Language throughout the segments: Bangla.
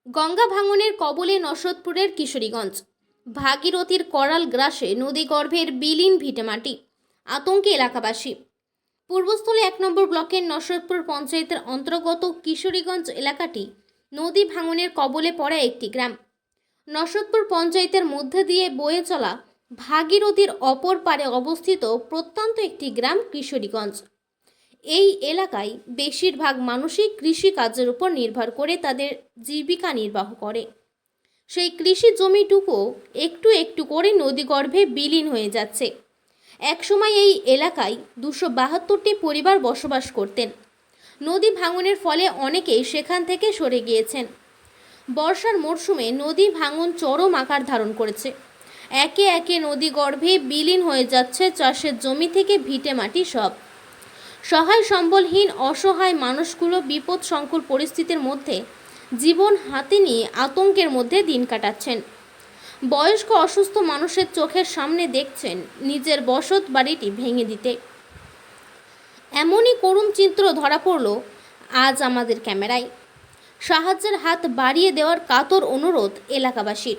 গঙ্গা ভাঙনের কবলে নসদপুরের কিশোরীগঞ্জ। ভাগীরথীর করাল গ্রাসে নদীগর্ভের বিলীন ভিটেমাটি, আতঙ্কে এলাকাবাসী। পূর্বস্থলী 1 নম্বর ব্লকের নসদপুর পঞ্চায়েতের অন্তর্গত কিশোরীগঞ্জ এলাকাটি নদী ভাঙনের কবলে পড়া একটি গ্রাম। নসদপুর পঞ্চায়েতের মধ্যে দিয়ে বয়ে চলা ভাগীরথীর অপর পারে অবস্থিত প্রত্যন্ত একটি গ্রাম কিশোরীগঞ্জ। এই এলাকায় বেশিরভাগ মানুষই কৃষিকাজের উপর নির্ভর করে তাদের জীবিকা নির্বাহ করে। সেই কৃষি জমিটুকু একটু একটু করে নদীগর্ভে বিলীন হয়ে যাচ্ছে। একসময় এই এলাকায় 272টি পরিবার বসবাস করতেন। নদী ভাঙনের ফলে অনেকেই সেখান থেকে সরে গিয়েছেন। বর্ষার মরশুমে নদী ভাঙন চরম আকার ধারণ করেছে। একে একে নদীগর্ভে বিলীন হয়ে যাচ্ছে চাষের জমি থেকে ভিটে মাটি সব। সহায় সম্বলহীন অসহায় মানুষগুলো বিপদ সংকুল পরিস্থিতির মধ্যে জীবন হাতে নিয়ে আতঙ্কের মধ্যে দিন কাটাচ্ছেন। বয়স্ক অসুস্থ মানুষের চোখের সামনে দেখছেন নিজের বসত বাড়িটি ভেঙে দিতে। এমনই করুণ চিত্র ধরা পড়ল আজ আমাদের ক্যামেরায়। সাহায্যের হাত বাড়িয়ে দেওয়ার কাতর অনুরোধ এলাকাবাসীর।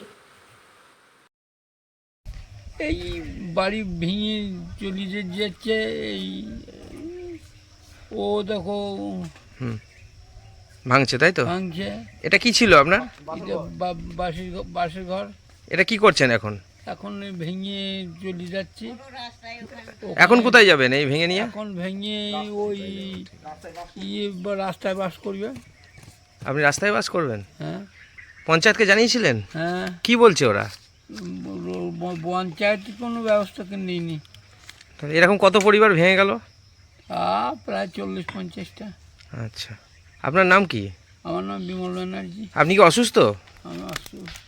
এই বাড়ি ভেঙে চলে যাচ্ছে। এই ও দেখো ভাঙছে, তাই তো? ভাঙছে। এটা কি ছিল আপনার? এটা বাসের ঘর। এটা কি করছেন এখন? এখন ভেঙে চলে যাচ্ছে। এখন কোথায় যাবেন এই ভেঙে নিয়ে? এখন ভেঙে ওই রাস্তায় বাস করবে। আপনি রাস্তায় বাস করবেন? হ্যাঁ। পঞ্চায়েতকে জানিয়েছিলেন? হ্যাঁ। কি বলছে ওরা? পঞ্চায়েত কোনো ব্যবস্থা নেইনি। তাহলে এরকম কত পরিবার ভেঙে গেল? প্রায় 40-50টা। আচ্ছা, আপনার নাম কি? আমার নাম বিমল ব্যানার্জি। আপনি কি অসুস্থ? আমি অসুস্থ।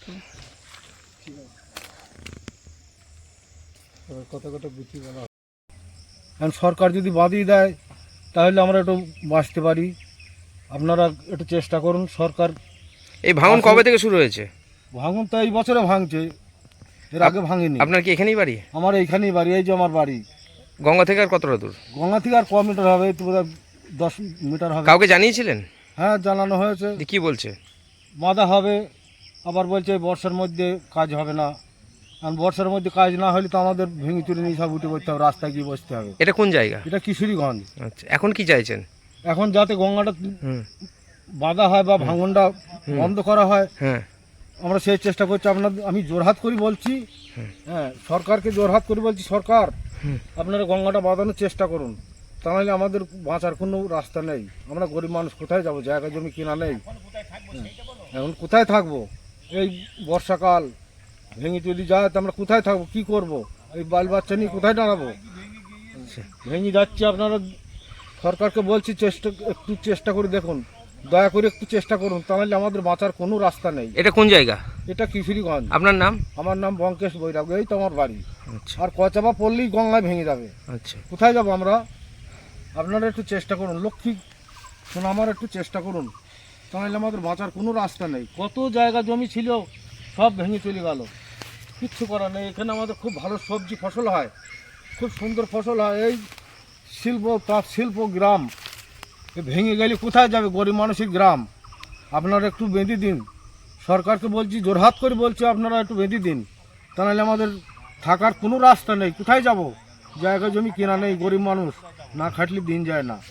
এখন সরকার যদি বাঁধিয়ে দেয় তাহলে আমরা একটু বাঁচতে পারি। আপনারা একটু চেষ্টা করুন। সরকার এই ভাঙন কবে থেকে শুরু হয়েছে? ভাঙন তো এই বছরে ভাঙছে, এর আগে ভাঙেনি। আপনার কি এখানেই বাড়ি? আমার এইখানেই বাড়ি, এই যে আমার বাড়ি। গঙ্গা থেকে আর কতটা দূর? গঙ্গা থেকে আর ক মিটার হবে? এই তো বোধহয় 10 মিটার হবে। কাউকে জানিয়েছিলেন? হ্যাঁ, জানানো হয়েছে। কি বলছে? বাঁধা হবে, আবার বলছে বর্ষার মধ্যে কাজ হবে না। কারণ বর্ষার মধ্যে কাজ না হলে তো আমাদের ভেঙে চুরে নিয়ে সব উঠে পড়তে হবে, রাস্তায় গিয়ে বসতে হবে। এটা কোন জায়গা? এটা কিশোরীগঞ্জ। আচ্ছা, এখন কি চাইছেন? এখন যাতে গঙ্গাটা হুম। বাঁধা হয় বা ভাঙনটা বন্ধ করা হয়, হ্যাঁ, আমরা সেই চেষ্টা করছি। আমি জোরহাত করে বলছি, হ্যাঁ, সরকারকে জোরহাত করে বলছি, সরকার আপনারা গঙ্গাটা বাঁধানোর চেষ্টা করুন। তাহলে আমাদের বাঁচার কোনো রাস্তা নেই। আমরা গরিব মানুষ কোথায় যাব? জায়গা জমি কেনা নেই। এখন কোথায় থাকবো? এই বর্ষাকাল ভেঙে চলে যায় তো আমরা কোথায় থাকবো, কি করব? এই বাল বাচ্চা নিয়ে কোথায় দাঁড়াবো? ভেঙে যাচ্ছে। আপনারা সরকারকে বলছি, একটু চেষ্টা করে দেখুন, দয়া করে একটু চেষ্টা করুন, তাহলে আমাদের বাঁচার কোনো রাস্তা নেই। এটা কোন জায়গা? এটা কিশোরীগঞ্জ। আপনার নাম? আমার নাম বঙ্কেশ বৈরাগ, এই তো আমার বাড়ি। আচ্ছা আর কচাপা পড়লেই গঙ্গায় ভেঙে যাবে। আচ্ছা, কোথায় যাব আমরা? আপনারা একটু চেষ্টা করুন, লক্ষ্মী শোনো, আমার একটু চেষ্টা করুন, তাহলে আমাদের বাঁচার কোনো রাস্তা নেই। কত জায়গা জমি ছিল সব ভেঙে চলে গেল, কিচ্ছু করার নেই। এখানে আমাদের খুব ভালো সবজি ফসল হয়, খুব সুন্দর ফসল হয়। এই তাঁত শিল্প গ্রাম ভেঙে গেলে কোথায় যাবে? গরিব মানুষের গ্রাম। আপনারা একটু বেঁধে দিন। সরকারকে বলছি, জোরহাত করে বলছি, আপনারা একটু বেঁধে দিন, তাহলে আমাদের থাকার কোনো রাস্তা নেই। কোথায় যাব? জায়গা জমি কেনা নেই, গরিব মানুষ, না খাটলে দিন যায় না।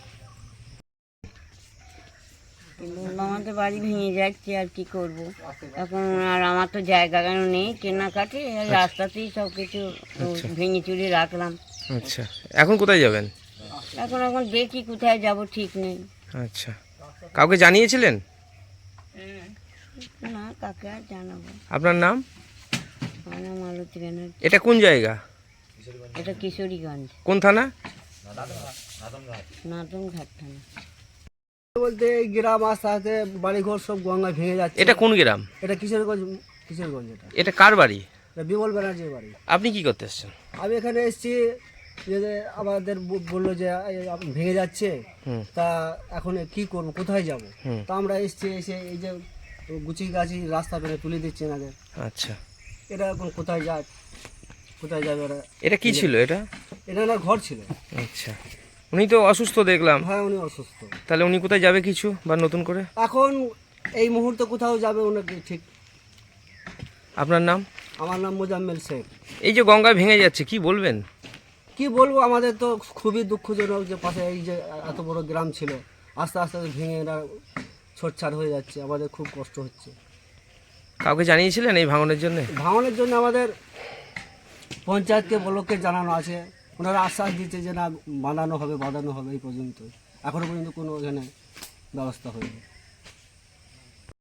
আমাদের বাড়ি ভেঙে যাচ্ছে, আর কি করব এখন? আর আমার তো জায়গা কেন নেই, কেনাকাটি রাস্তাতেই সব কিছু ভেঙে চুরে রাখলাম। আচ্ছা, এখন কোথায় যাবেন? এখন দেখি কোথায় যাব, ঠিক নেই। আচ্ছা, কাউকে জানিয়েছিলেন? না, কাকে আর জানাবো। আপনার নাম? আমার নাম মালতী ব্যানার্জি। এটা কোন জায়গা? এটা কিশোরীগঞ্জ। কোন থানা? নাদনঘাট থানা। বলতে এই গ্রাম আস্তে আস্তে বাড়িঘর সব গঙ্গায় ভেঙে যাচ্ছে। এটা কোন গ্রাম? এটা কিশোরগঞ্জ। এটা কার বাড়ি? এটা বিমল ব্যানার্জির বাড়ি। আপনি কি করতে এসছেন? আমি এখানে এসেছি, যে আমাদের বললো যে ভেঙে যাচ্ছে, তা এখন কি করবো, কোথায় যাব? তা আমরা এসে এই যে গুছিয়ে গাছি রাস্তা পেরে তুলে দিচ্ছি না। আচ্ছা, এটা এখন কোথায় যায়, কোথায় যাবে এরা? এটা কি ছিল? এটা না, ঘর ছিল। আচ্ছা, উনি তো অসুস্থ দেখলাম। হ্যাঁ, উনি অসুস্থ। তাহলে উনি কোথায় যাবে কিছু বা নতুন করে? এখন এই মুহূর্তে কোথাও যাবে ওনাকে ঠিক। আপনার নাম? আমার নাম মোজাম্মেল শেখ। এই যে গঙ্গায় ভেঙে যাচ্ছে কি বলবেন? কি বলবো, আমাদের তো খুবই দুঃখজনক যে পাশে এই যে এত বড় গ্রাম ছিল, আস্তে আস্তে ভেঙে এরা ছোটছাট হয়ে যাচ্ছে, আমাদের খুব কষ্ট হচ্ছে। কাউকে জানিয়েছিলেন এই ভাঙনের জন্য? ভাঙনের জন্য আমাদের পঞ্চায়েতকে ব্লককে জানানো আছে, ওনারা আশ্বাস দিচ্ছে যে না বাঁধানো হবে, এই পর্যন্ত। এখনো পর্যন্ত কোনো এখানে ব্যবস্থা হয়নি।